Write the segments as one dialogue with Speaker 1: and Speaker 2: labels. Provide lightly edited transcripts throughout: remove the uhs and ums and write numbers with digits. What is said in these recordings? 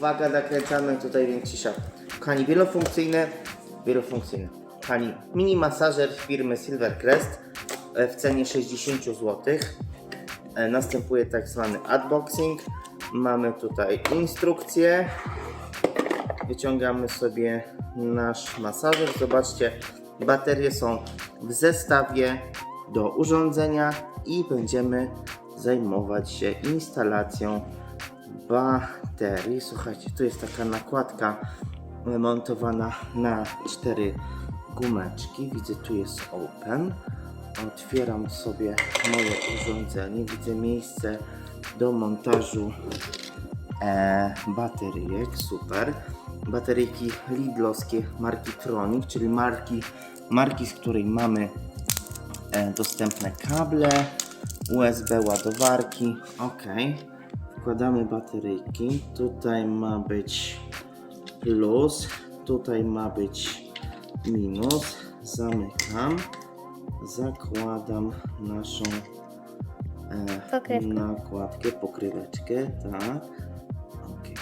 Speaker 1: Uwaga, nakręcamy tutaj, więc cisza. Kochani, wielofunkcyjny. Kochani, mini masażer firmy Silvercrest w cenie 60 zł. Następuje tak zwany unboxing. Mamy tutaj instrukcję. Wyciągamy sobie nasz masażer. Zobaczcie, baterie są w zestawie do urządzenia i będziemy zajmować się instalacją baterii. Słuchajcie, tu jest taka nakładka montowana na 4 gumeczki. Widzę, tu jest open. Otwieram sobie moje urządzenie. Widzę miejsce do montażu bateryjek. Super. Bateryjki lidlowskie marki Tronic, czyli marki, z której mamy dostępne kable, USB ładowarki. Ok. Wkładamy bateryjki. Tutaj ma być plus, tutaj ma być minus. Zamykam. Zakładam naszą nakładkę, pokryweczkę. Tak. Ok.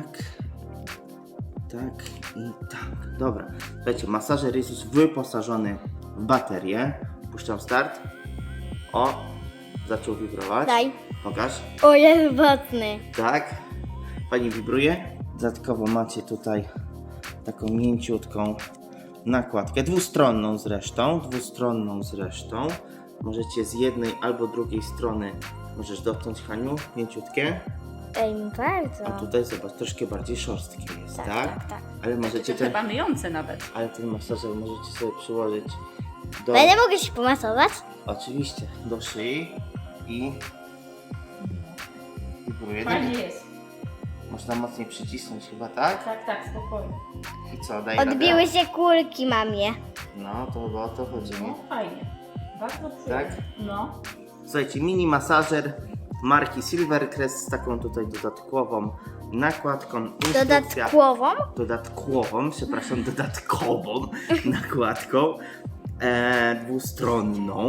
Speaker 1: Tak i tak. Dobra. Słuchajcie, masażer jest już wyposażony w baterię. Puszczam start. O, zaczął wibrować.
Speaker 2: Daj.
Speaker 1: Pokaż.
Speaker 2: O, jest mocny.
Speaker 1: Tak. Fajnie wibruje. Dodatkowo macie tutaj taką mięciutką nakładkę. Dwustronną zresztą. Możecie z jednej albo drugiej strony możesz dotknąć, Haniu, mięciutkie.
Speaker 2: Ej, bardzo.
Speaker 1: A tutaj zobacz, troszkę bardziej szorstkie jest, tak?
Speaker 2: Tak.
Speaker 1: Ale możecie
Speaker 3: To chyba myjące nawet.
Speaker 1: ale ten masażer możecie sobie przyłożyć do...
Speaker 2: Będę mogę się pomasować?
Speaker 1: Oczywiście, do szyi i wibruje.
Speaker 3: Fajnie jest.
Speaker 1: Można mocniej przycisnąć chyba, tak?
Speaker 3: Tak, spokojnie.
Speaker 1: I co, daje radę?
Speaker 2: Odbiły się kulki mamie.
Speaker 1: No, to chyba o to chodzi, nie?
Speaker 3: No fajnie. Bardzo przyjemnie.
Speaker 1: Tak?
Speaker 3: No.
Speaker 1: Słuchajcie, mini masażer marki Silvercrest z taką tutaj dodatkową nakładką. Instrukcja dodatkową nakładką dwustronną.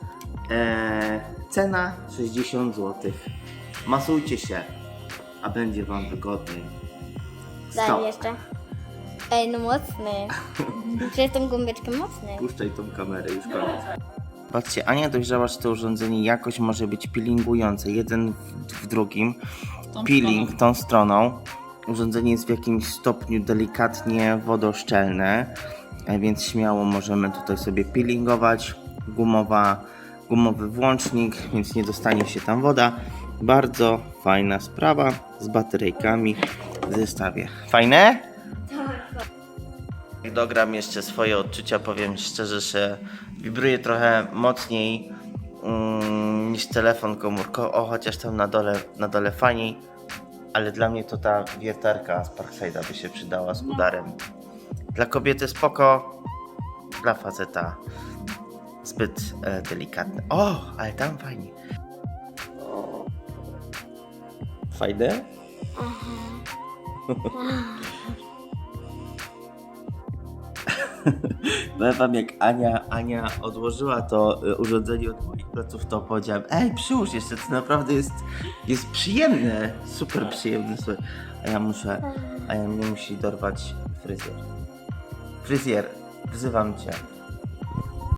Speaker 1: Cena 60 zł. Masujcie się, a będzie Wam wygodniej.
Speaker 2: Daj jeszcze. Ej, no mocny. Czy tą gąbeczkę mocny?
Speaker 1: Puszczaj tą kamerę, już koniec. Patrzcie, Ania dojrzała, że to urządzenie jakoś może być peelingujące. Jeden w drugim. Peeling tą stroną. Urządzenie jest w jakimś stopniu delikatnie wodoszczelne, więc śmiało możemy tutaj sobie peelingować. Gumowy włącznik, więc nie dostanie się tam woda. Bardzo fajna sprawa z bateryjkami w zestawie. Fajne? Jak dogram jeszcze swoje odczucia, powiem szczerze, że wibruje trochę mocniej niż telefon komórkowy, chociaż tam na dole fajniej, ale dla mnie to ta wiertarka z Parkside'a by się przydała z udarem. Dla kobiety spoko, dla faceta zbyt delikatne. O, ale tam fajnie. O. Fajne? Powiem wam, jak Ania odłożyła to urządzenie od moich pleców, to powiedziałem: ej, przyłóż jeszcze, to naprawdę jest przyjemne, super przyjemne, słuchaj. A ja mnie musi dorwać fryzjer. Fryzjer, wzywam cię.